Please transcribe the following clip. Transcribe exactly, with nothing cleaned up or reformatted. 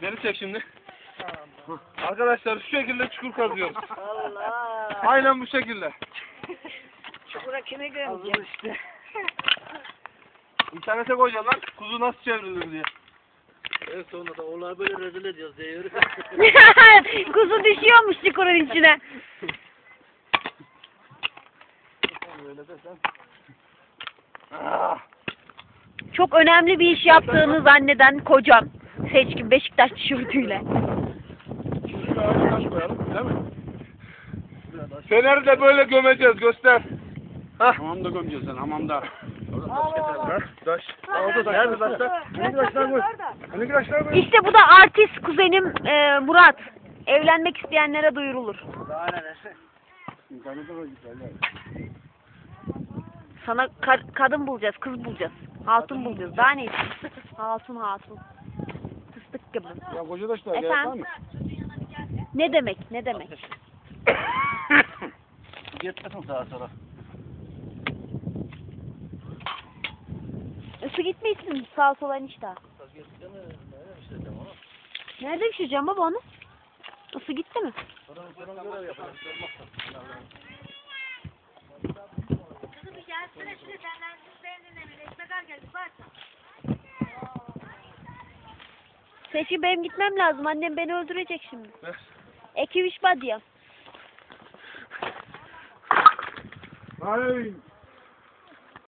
Beni çek şimdi. Arkadaşlar şu şekilde çukur kazıyoruz. Allah. Aynen bu şekilde. Çukura kimi gömeceğim? işte. İnternete koyacağım lan. Kuzu nasıl çevrilir diye. En sonunda da onları böyle rezil ediyoruz diyor. Kuzu düşüyormuş çukurun içine. Öyle desen. Ah. Çok önemli bir iş yaptığını zanneden kocam. Seçkin Beşiktaş tişörtüyle. Şuraya taş koyalım, değil mi? Fener'i de böyle gömeceğiz, göster. Hah. Hamamda gömeceğiz sen hamamda. Hah, taş. Aldı taş. Nerede taşlar? Hani taşlar koy. Hani taşlar koy. İşte bu da artist kuzenim e, Murat. Evlenmek isteyenlere duyurulur. Sana ka- kadın bulacağız, kız bulacağız. Hatun bulacağız. Daha ne istiyorsun? Hatun hatun. Fıstık gibi. Ya koca taşlar gerek var Efendim? mı? Ne demek? Ne demek? Gitmesin sağa sola. Isı gitmesin sağa sola enişte. Nerede pişireceğim baba onu? Isı gitti mi? Kızım bir gelsene şuraya senden siz beğendin mi? Ekmek geldi bak. Seçkin benim gitmem lazım. Annem beni öldürecek şimdi. Ver. Eki üç badya. Ay.